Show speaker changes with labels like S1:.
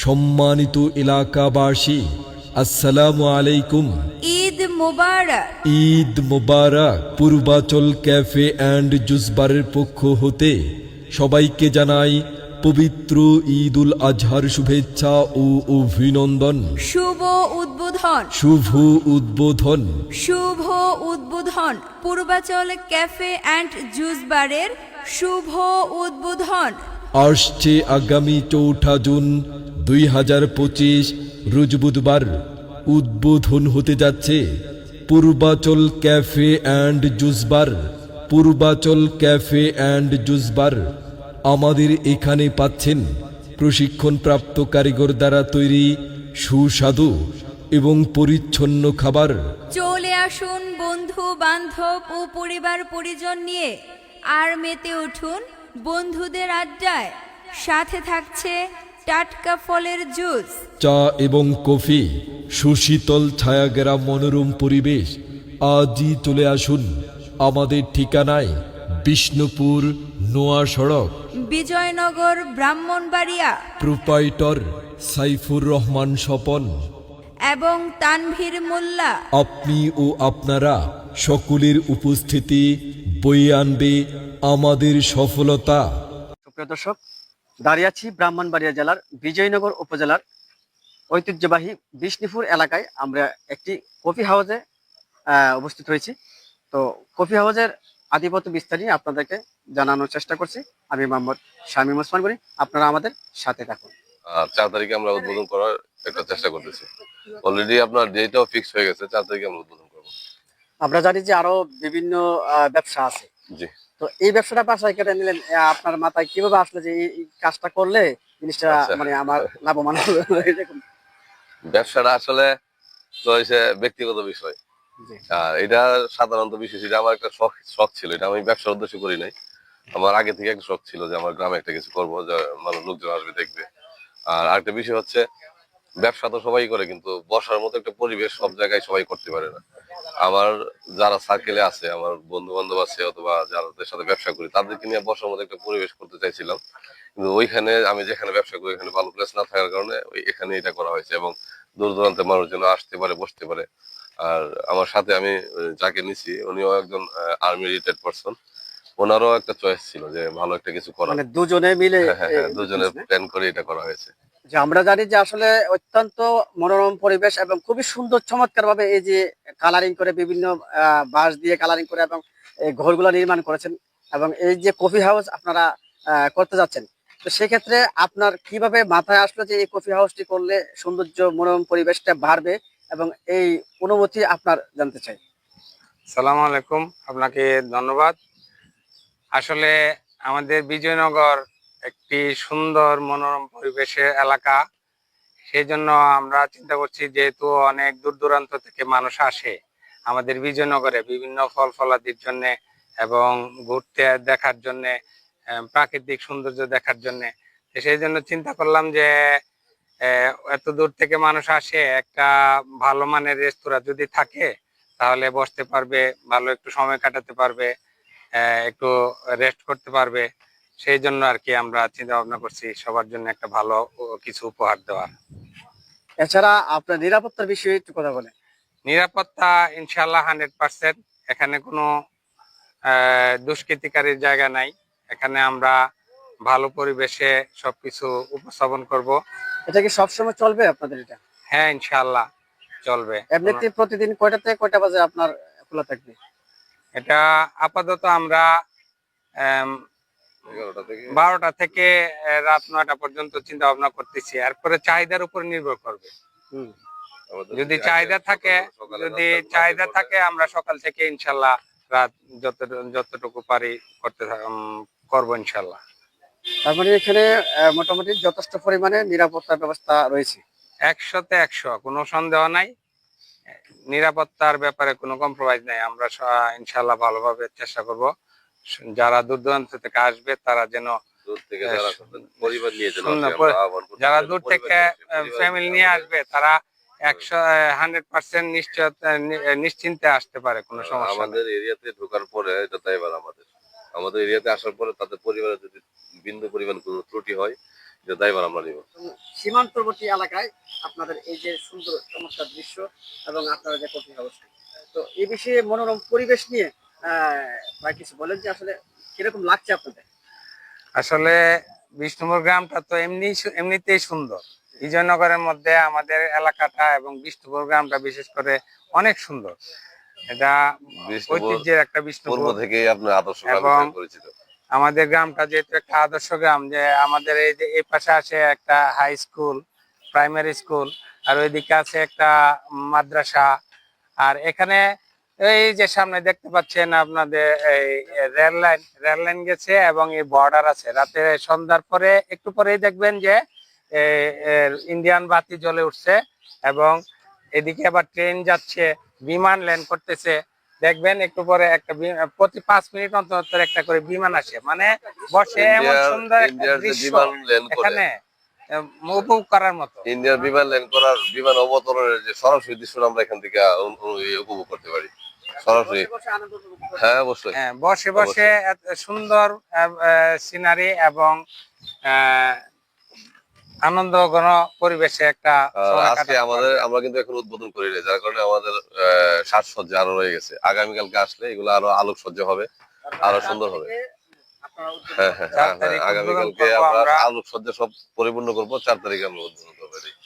S1: সম্মানিত এলাকাবাসী, আসসালামু আলাইকুম।
S2: ঈদ মোবারক।
S1: ঈদ মোবারক। পূর্বাচল ক্যাফে অ্যান্ড জুস বারের পক্ষ হতে সবাইকে জানাই পবিত্র ঈদ উল আজহার শুভেচ্ছা ও অভিনন্দন।
S2: শুভ উদ্বোধন।
S1: শুভ উদ্বোধন।
S2: শুভ উদ্বোধন। পূর্বাচল ক্যাফে অ্যান্ড জুস বারের শুভ উদ্বোধন
S1: আসছে আগামী 4 জুন 2025 রোজ বুধবার। উদ্বোধন হতে যাচ্ছে Purbachal cafe and juice bar. Purbachal cafe and juice bar. আমাদের এখানে পাচ্ছেন প্রশিক্ষণপ্রাপ্ত কারিগর দ্বারা তৈরি সুস্বাদু এবং পরিচ্ছন্ন খাবার।
S2: চলে আসুন বন্ধু বান্ধব ও পরিবার পরিজন নিয়ে, আর মেতে উঠুন বন্ধুদের আড্ডায়। সাথে থাকছে টাটকা ফলের জুস,
S1: চা এবং কফি, সুশীতল ছায়াঘেরা মনোরম পরিবেশ। আজই চলে আসুন আমাদের ঠিকানায়, বিষ্ণুপুর নোয়া সড়ক,
S2: বিজয়নগর, ব্রাহ্মণবাড়িয়া।
S1: প্রোপাইটর সাইফুর রহমান স্বপন
S2: এবং তানভীর মোল্লা।
S1: আপনি ও আপনারা সকলের উপস্থিতি বয়ে আনবে আমাদের সফলতা।
S3: সুপ্রিয় দর্শক, দাঁড়িয়ে আছি ব্রাহ্মণবাড়িয়া জেলার বিজয়নগর উপজেলার ঐতিহ্যবাহী বিষ্ণুপুর এলাকায়। আমরা একটি কফি হাউসে উপস্থিত হয়েছি। তো কফি হাউসের আধিপত্য বিস্তার নিয়ে আপনাদেরকে জানানোর চেষ্টা করছি। আমি মোহাম্মদ শামীম ওসমান করি, আপনারা আমাদের সাথে থাকুন।
S4: 4 তারিখে আমরা উদ্বোধন করার একটা চেষ্টা করতেছি। অলরেডি আপনার ডেটটাও ফিক্স হয়ে গেছে, 4 তারিখে আমরা উদ্বোধন করবো।
S3: আমরা জানি যে আরো বিভিন্ন ব্যবসা আছে,
S4: জি।
S3: তো এই ব্যবসাটা বাসায় কেটে নিলেন, আপনার মাথায় কিভাবে আসলে যে এই কাজটা করলে জিনিসটা মানে আমার লাভবান হবে?
S4: ব্যবসাটা আসলে তো হচ্ছে ব্যক্তিগত বিষয়, আর এটা সাধারণত বিষয়। এটা আমার একটা শখ ছিল, এটা আমি ব্যবসার উদ্দেশ্য করি নাই। আমার আগে থেকে একটা শখ ছিল যে আমার গ্রামে একটা কিছু করবো, যে মানুষ লোকজন আসবে দেখবে। আর আরেকটা বিষয় হচ্ছে, ব্যবসা তো সবাই করে, কিন্তু বসার মতো একটা পরিবেশ সব জায়গায় সবাই করতে পারে না। আমার যারা সার্কেলে আছে, আমার বন্ধু বান্ধব আছে, অথবা যাদের সাথে ব্যবসা করি, তাদেরকে নিয়ে বসার মতো একটা পরিবেশ করতে চাইছিলাম। কিন্তু ওইখানে আমি যেখানে ব্যবসা করি, এখানে ভালো প্লেস না থাকার কারণে এখানে এটা করা হয়েছে, এবং দূর দূরান্তের মানুষ যেন আসতে পারে, বসতে পারে। আর আমার সাথে আমি যাকে নিছি, উনিও একজন আর্মি রিটায়ার্ড পারসন। ওনারও একটা চয়েস ছিল যে ভালো একটা কিছু করা,
S3: মানে দুজনে মিলে।
S4: হ্যাঁ, দুজনের প্ল্যান করে এটা করা হয়েছে।
S3: যে আমরা জানি যে আসলে অত্যন্ত মনোরম পরিবেশ এবং খুবই সুন্দর চমৎকার ভাবে এই যে কালারিং করে, বিভিন্ন বাঁশ দিয়ে কালারিং করে এবং এই ঘরগুলো নির্মাণ করেছেন, এবং এই যে কফি হাউস আপনারা করতে যাচ্ছেন, তো সেক্ষেত্রে আপনার কিভাবে মাথায় আসলো যে এই কফি হাউসটি করলে সৌন্দর্য মনোরম পরিবেশটা বাড়বে, এবং এই অনুভূতি আপনার জানতে চাই।
S5: সালাম আলাইকুম, আপনাকে ধন্যবাদ। আসলে আমাদের বিজয়নগর একটি সুন্দর মনোরম পরিবেশের এলাকা। সেই জন্য আমরা চিন্তা করছি, যেহেতু অনেক দূর দূরান্ত থেকে মানুষ আসে আমাদের বিজয়নগরে বিভিন্ন ফল ফলাদির জন্য এবং ঘুরতে দেখার জন্য, প্রাকৃতিক সৌন্দর্য দেখার জন্য। সেই জন্য চিন্তা করলাম যে এত দূর থেকে মানুষ আসে, একটা ভালো মানের রেস্তোরাঁ যদি থাকে তাহলে বসতে পারবে, ভালো একটু সময় কাটাতে পারবে, একটু রেস্ট করতে পারবে। সেই জন্য আর কি আমরা চিন্তা ভাবনা করছি সবার জন্য একটা ভালো কিছু উপহার দেওয়ার।
S3: এছাড়া আপনার নিরাপত্তার বিষয়ে একটু কথা বলেন।
S5: নিরাপত্তা ইনশাল্লাহ 100%। এখানে কোনো দুষ্কৃতিকারীর জায়গা নাই। এখানে আমরা ভালো পরিবেশে সবকিছু উপস্থাপন করব।
S3: এটা কি সবসময় চলবে আপনাদের এটা?
S5: হ্যাঁ, ইনশাল্লাহ চলবে।
S3: এমনিতে প্রতিদিন কয়টা থেকে কয়টা বাজে আপনার খোলা থাকবে?
S5: এটা আপাতত আমরা 12টা থেকে রাত 9টা পর্যন্ত চিন্তা ভাবনা করতেছি। এরপরে চাহিদার উপর নির্ভর করবে। যদি চাহিদা থাকে আমরা সকাল থেকে ইনশাল্লাহ রাত যতটুকু পারি করবো ইনশাল্লাহ।
S3: তার মানে এখানে মোটামুটি যথেষ্ট পরিমাণে নিরাপত্তার ব্যবস্থা রয়েছে।
S5: 100তে 100, কোনো সন্দেহ নাই। নিরাপত্তার ব্যাপারে কোনো কম্প্রোমাইজ নাই। আমরা ইনশাল্লাহ ভালোভাবে চেষ্টা করব। যারা দূর দূরান্ত থেকে আসবে তারা যেন যারা দূর থেকে ফ্যামিলি নিয়ে আসবে, তারা 100% নিশ্চিন্তে আসতে পারে, কোনো সমস্যা।
S4: আমাদের এরিয়াতে ঢোকার পরে এটা তাই আমাদের এরিয়াতে আসার পরে তাদের পরিবারে যদি বিন্দু পরিমাণ কোনো ত্রুটি হয়, যে দায়ভার আমরা নিব।
S3: সীমান্তবর্তী এলাকায় আপনাদের এই যে সুন্দর চমৎকার দৃশ্য এবং আপনারা যে কফি হাউস, তো এই বিষয়ে মনোরম পরিবেশ নিয়ে ভাই কিছু বলেন যে আসলে কিরকম লাগছে আপনাদের?
S5: আসলে বিষ্ণুপুর গ্রামটা তো এমনিতেই সুন্দর। বিজয়নগরের মধ্যে আমাদের এলাকাটা এবং বিষ্ণুপুর গ্রামটা বিশেষ করে অনেক সুন্দর। এটা
S4: বিষ্ণুপুর
S5: ঐতিহ্যের একটা
S4: পূর্ব
S5: বিষ্ণুপুর।
S4: থেকেই আপনার আদর্শ গ্রাম
S5: এবং
S4: হিসেবে পরিচিত।
S5: আমাদের গ্রামটা যেহেতু একটা আদর্শ গ্রাম, যে আমাদের এই যে এই পাশে আছে একটা হাই স্কুল, প্রাইমারি স্কুল, আর ওইদিকে আছে একটা মাদ্রাসা। আর এখানে এই যে সামনে দেখতে পাচ্ছেন আপনাদের এই রেল লাইন গেছে এবং এই বর্ডার আছে। রাতে সন্ধ্যার পরে একটু পরেই দেখবেন যে ইন্ডিয়ান বাতি জ্বলে উঠছে এবং এদিকে আবার ট্রেন যাচ্ছে, বিমান ল্যান্ড করতেছে। দেখবেন একটু পরে একটা প্রতি 5 মিনিট অন্তর অন্তর একটা করে বিমান আসে, মানে বসে এমন সুন্দর একটা
S4: ইন্ডিয়ার যে
S5: দৃশ্য
S4: বিমান ল্যান্ড করে,
S5: এখানে উপভোগ করার মতো।
S4: ইন্ডিয়ার বিমান ল্যান্ড করার, বিমান অবতরণের যে সরাসরি দৃশ্যটা আমরা এখান থেকে উপভোগ করতে পারি সরাসরি।
S3: বসে বসে আনন্দ উপভোগ করতে
S4: হ্যাঁ অবশ্যই।
S5: হ্যাঁ, বসে বসে এত সুন্দর সিনারি এবং আনন্দ ঘন পরিবেশে একটা
S4: আর
S5: সময়
S4: আজকে
S5: কাটাতে
S4: আমাদের,
S5: পারবে।
S4: আমরা কিন্তু এখন উদ্বোধন করি নাই, যার কারণে আমাদের সাজসজ্জা আরো রয়ে গেছে। আগামীকালকে আসলে এগুলো আরো আলোকসজ্জা হবে, আরো সুন্দর হবে।
S3: আপনারা উদ্যোগ
S4: হ্যাঁ হ্যাঁ
S5: 4
S4: হ্যাঁ,
S5: তারিখ
S4: আগামীকালকে
S5: উদ্বোধন করবো
S4: আমরা
S5: আমরা।
S4: আলোকসজ্জা সব পরিপূর্ণ করবো। 4 তারিখে আমরা উদ্বোধন করবো।